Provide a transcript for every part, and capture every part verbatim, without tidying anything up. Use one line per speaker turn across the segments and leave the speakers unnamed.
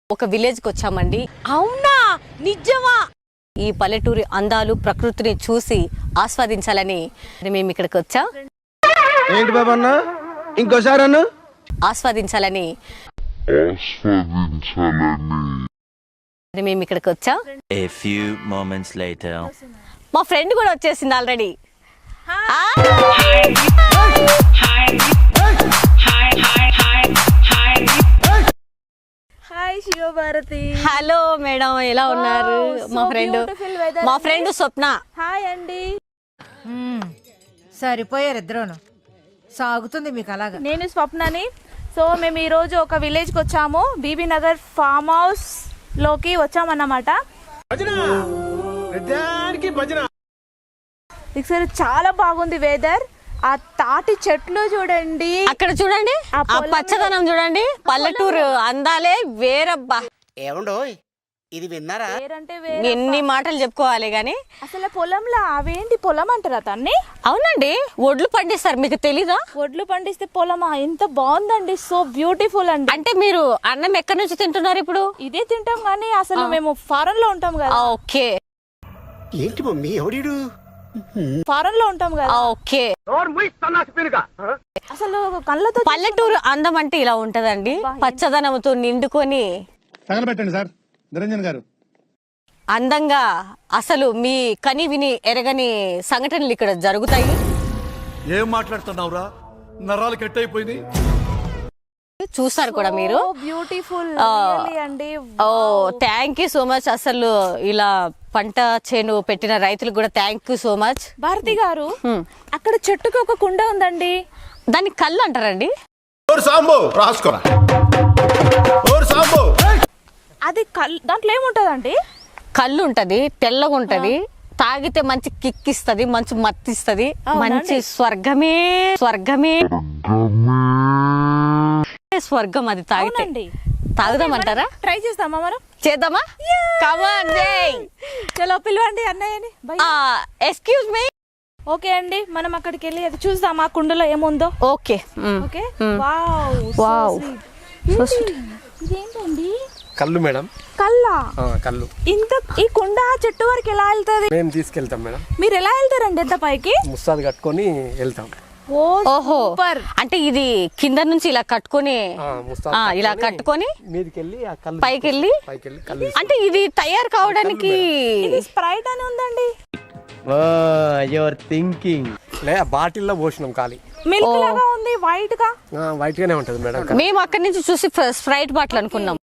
ఒక విలేజ్ కి వచ్చామండి.
అవునా నిజమా?
ఈ పల్లెటూరి అందాలు ప్రకృతిని చూసి ఆస్వాదించాలని మేము ఇక్కడికి వచ్చాం.
ఏంటి బాబా అన్న ఇంకోసారి అన్న
ఆస్వాదించాలని మేము ఇక్కడికి వచ్చాం.
A few moments later.
మా ఫ్రెండ్ కూడా వచ్చేసింది already.
Hi Shivabharathi.
Hello madam, ఎలా ఉన్నారు? మా ఫ్రెండ్ మా ఫ్రెండ్ స్వప్న.
హాయ్ అండి.
సరిపోయారు ఇద్దరును. సాగుతుంది మీకు అలాగా.
నేను స్వప్నని. సో మేము ఈరోజు ఒక విలేజ్కి వచ్చాము. బీబీ నగర్ ఫామ్ హౌస్ లోకి వచ్చామన్నమాట. ఇక్కడ చాలా బాగుంది వెదర్. ఆ తాటి చెట్లు చూడండి,
అక్కడ చూడండి, ఆ పచ్చదనం చూడండి. పల్లెటూరు అందాలే వేరబ్బా.
ఏమండో ఇది విన్నారా?
వేరంటే
ఎన్ని మాటలు చెప్పుకోవాలి గాని
అసలు పొలంలో అవేంటి పొలం అంటారా తన్ని?
అవునండి, ఒడ్లు పండిస్తారు, మీకు తెలీదా?
ఒడ్లు పండిస్తే పొలమా? ఎంత బాగుందండి, సో బ్యూటిఫుల్ అండి.
అంటే మీరు అన్నం ఎక్కడి నుంచి తింటున్నారు ఇప్పుడు?
ఇదే తింటాం కానీ అసలు మేము ఫారెన్ లో ఉంటాం కదా.
ఓకే.
ఏంటి మమ్మీ ఎవడీడు?
ఫారెన్ లో ఉంటాం కదా.
ఓకే.
అసలు కళ్ళతో
పల్లెటూరు అందం అంటే ఇలా ఉంటదండి, పచ్చదనంతో నిండుకొని
తగలబెట్టండి సార్ నిరంజన్ గారు.
అందంగా అసలు మీ కని విని ఎరగని సంఘటనలు ఇక్కడ జరుగుతాయి.
ఏం మాట్లాడుతున్నావురా? నరాలు కట్ అయిపోయింది.
చూస్తారు కూడా మీరు.
బ్యూటిఫుల్ అండి.
Oh thank you so much. అసలు ఇలా పంట చేను పెట్టిన రైతులకు కూడా thank you so much.
Bharathi గారు, అక్కడ చెట్టుకి ఒక కుండ ఉందండి.
దాన్ని కళ్ళు అంటారండి.
అది కళ్ళు. దాంట్లో ఏముంటదండి?
కళ్ళు ఉంటది, తెల్లగా ఉంటది, తాగితే మంచి కిక్ ఇస్తది, మంచి మత్తిస్తది, మంచి స్వర్గమే స్వర్గమే స్వర్గం అది తాగితే. తాగుదామంటారా?
ట్రై చేస్తామా మనం?
చేద్దామా? కమాన్ జై.
చలో పిలవండి అన్నయ్యని.
Excuse me.
ఓకే అండి, మనం అక్కడికి వెళ్ళి అది చూద్దాం ఆ కుండలో ఏముందో.
ఓకే.
ఓకే. Wow
wow.
ఇదేంటండి?
కళ్ళు మేడం.
కల్లా?
కళ్ళు.
ఇంత ఈ కుండ చెట్టు వరకు ఎలా వెళ్తుంది?
మేము తీసుకెళ్తాం మేడం.
మీరు ఎలా వెళ్తారండి ఎంత పైకి?
ముస్తాదు కట్టుకొని వెళ్తాం.
ఓహో, అంటే ఇది కింద నుంచి ఇలా కట్టుకొని ఇలా కట్టుకొని
మీదికెళ్ళి ఆ కళ్ళు
పైకి వెళ్ళి
పైకి వెళ్ళి కళ్ళు.
అంటే ఇది తయారు కావడానికి
స్ప్రైట్ అని ఉందండి.
Your thinking. లే బాటిల్లో పోసినాం ఖాళీ.
మిల్క్ లాగా ఉంది, వైట్ గా.
వైట్ గానే ఉంటది మేడం.
మేము అక్కడి నుంచి చూసి స్ప్రైట్ బాటిల్ అనుకున్నాం.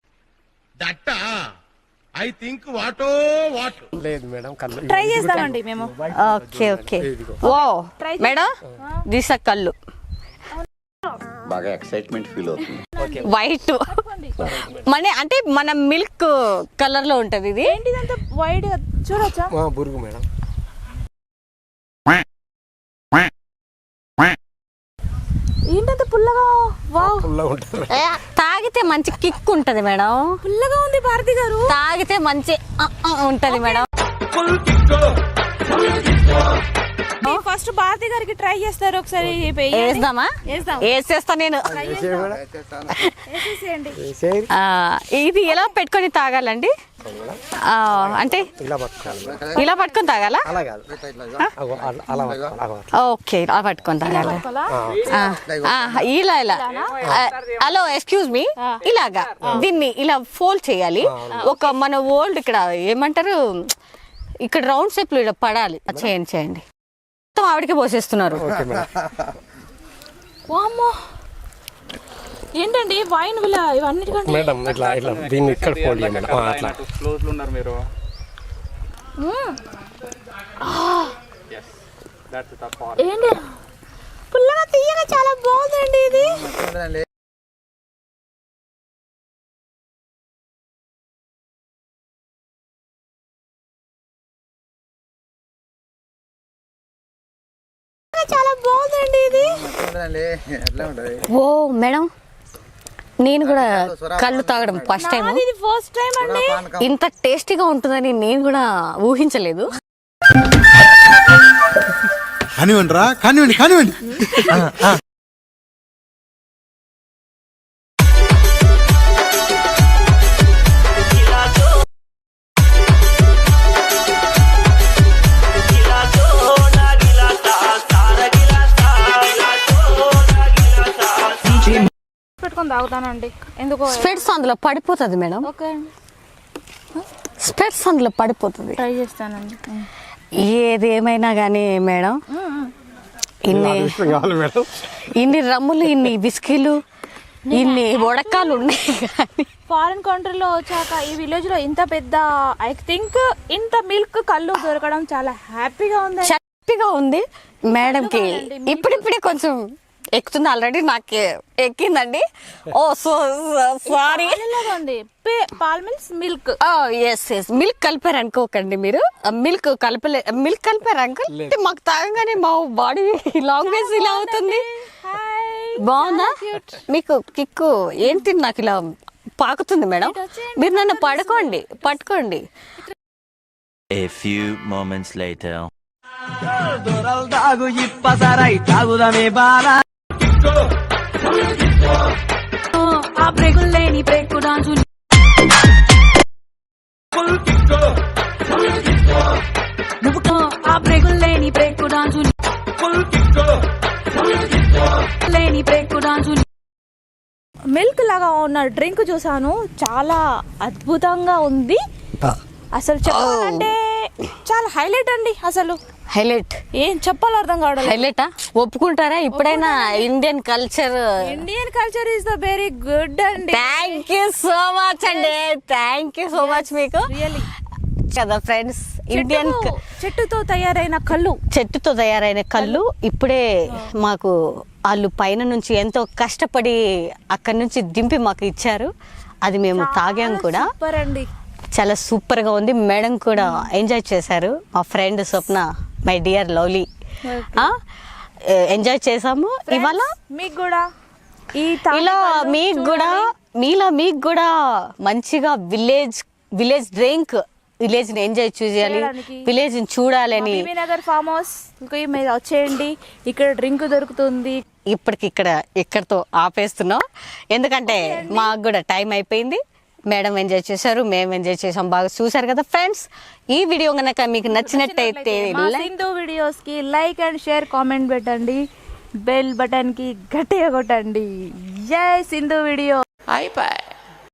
ఐ థింక్ వాటో వాట్
లేదు మేడం, కళ్ళు
ట్రై చేస్తామండి మేము.
Okay okay. Oh madam, this కళ్ళు
బాగా ఎక్సైట్మెంట్ ఫీల్ అవుతుంది.
వైట్ మన అంటే మన మిల్క్ కలర్ లో ఉంటది ఇది.
ఏంటిదంతా వైట్ గా చూడొచ్చా?
బురుగు మేడం.
ఏంటంత పుల్లగా? వావ్,
పుల్లగా ఉంటది.
తాగితే మంచి కిక్ ఉంటది మేడం.
పుల్లగా ఉంది భారతి గారు.
తాగితే మంచి ఉంటది మేడం.
ఫస్ట్ భారతి గారికి ట్రై చేస్తారు ఒకసారి.
వేద్దామా? వేసేస్తా నేను. ఇది ఎలా పెట్టుకొని తాగాలండి? అంటే ఇలా పట్టుకొని తాగాలా? ఓకే, ఇలా పట్టుకొని తాగాల. ఇలా ఇలా హలో ఎక్స్క్యూజ్ మీ, ఇలాగా దీన్ని ఇలా ఫోల్డ్ చేయాలి. ఒక మన ఓల్డ్ ఇక్కడ ఏమంటారు, ఇక్కడ రౌండ్ షేప్ లో ఇలా పడాలి. చేయండి చేయండి. మొత్తం ఆవిడకి పోసేస్తున్నారు.
ఏంటండి వైన్ ఇవన్నిటికంటే
మేడం ఇట్లా ఇట్లా దీన్ని ఇక్కడ ఫోల్డ్ చేయండి మేడం. అట్లా
క్లోజ్ లో ఉన్నారు మీరు.
ఏంటి పుల్లగా తీయగా చాలా బాగుందండి ఇది. చాలా బాగుందండి ఇది.
ఓ మేడం, నేను కూడా కళ్ళు తాగడం ఫస్ట్ టైం.
ఇది ఫస్ట్ టైం అండి.
ఇంత టేస్టీగా ఉంటుందని నేను కూడా ఊహించలేదు.
కానివ్వండి రా, కానివ్వండి కానివ్వండి.
తాగుతానండి ఎందుకో
స్పెట్స్ అందులో పడిపోతుంది మేడం,
ఓకే అండి
స్పెట్స్ అందులో పడిపోతుంది.
ట్రై చేస్తానండి.
ఏది ఏమైనా కానీ మేడం, ఇన్ని
కావాలి మేడం.
ఇన్ని రమ్ములు, ఇన్ని బిస్కీలు, ఇన్ని వడకాలు ఉన్నాయి కానీ
ఫారిన్ కంట్రీలో వచ్చాక ఈ విలేజ్ లో ఇంత పెద్ద ఐ థింక్ ఇంత మిల్క్ కళ్ళు దొరకడం చాలా హ్యాపీగా ఉంది.
చప్పిగా ఉంది మేడంకి. ఇప్పుడిప్పుడే కొంచెం ఎక్కుతుంది, ఆల్రెడీ నాకు ఎక్కిందండి. Oh so sorry.
ఉంది పాల్ milk milk
yes yes milk కలిపారు అనుకోకండి మీరు, మిల్క్ కలపలే, మిల్క్ కలిపారు అంకుల్. మాకు తాగంగానే మా బాడీ లాంగ్వేజ్ ఇలా అవుతుంది. బాగుందా మీకు కిక్కు? ఏంటి నాకు ఇలా పాకుతుంది మేడం. మీరు నన్ను పడుకోండి, పట్టుకోండి.
A few moments later.
ఆ బ్రేకులు లేని బ్రేకు డాన్సు ఆ బ్రేకులు లేని బ్రేకు డాన్సు లేని బ్రేకు డాన్సు.
మిల్క్ లాగా ఉన్న డ్రింక్ చూసాను, చాలా అద్భుతంగా ఉంది. అసలు చెప్పాలంటే చాలా హైలైట్ అండి. అసలు
హైలైట్
ఏం చెప్పాలో అర్థం కావడం.
హైలైటా ఒప్పుకుంటారా? ఇప్పుడైనా Indian culture,
Indian culture is the very good అండి.
థ్యాంక్ యూ సో మచ్ అండి, థ్యాంక్ యూ సో మచ్ మీకు
రియల్లీ
కదా ఫ్రెండ్స్. ఇండియన్
చెట్టుతో తయారైన కళ్ళు,
చెట్టుతో తయారైన కళ్ళు ఇప్పుడే మాకు వాళ్ళు పైన నుంచి ఎంతో కష్టపడి అక్కడి నుంచి దింపి మాకు ఇచ్చారు. అది మేము తాగాం కూడా.
సూపర్ అండి,
చాలా సూపర్ గా ఉంది. మేడం కూడా ఎంజాయ్ చేశారు. మా friend Swapna, my dear lovely, enjoy చేసాము. ఇవాళ
మీకు కూడా ఈ
ఇలా మీకు కూడా మీలా మీకు కూడా మంచిగా విలేజ్ విలేజ్ డ్రింక్, విలేజ్ ని ఎంజాయ్ చేయాలి, విలేజ్ ని చూడాలని
బీబీ నగర్ ఫామ్ హౌస్ కి మీరు వచ్చేయండి. ఇక్కడ డ్రింక్ దొరుకుతుంది.
ఇప్పటికి ఇక్కడ ఇక్కడతో ఆపేస్తున్నాం, ఎందుకంటే మాకు కూడా టైం అయిపోయింది. మేడం ఎంజాయ్ చేశారు, మేము ఎంజాయ్ చేసాం, బాగా చూసారు కదా ఫ్రెండ్స్. ఈ వీడియో కనుక మీకు నచ్చినట్టయితే
మా సింధు వీడియోస్ కి లైక్ అండ్ షేర్, కామెంట్ పెట్టండి, బెల్ బటన్ కి గట్టిగా కొట్టండి. జై సింధు వీడియో.
అయిపోయి.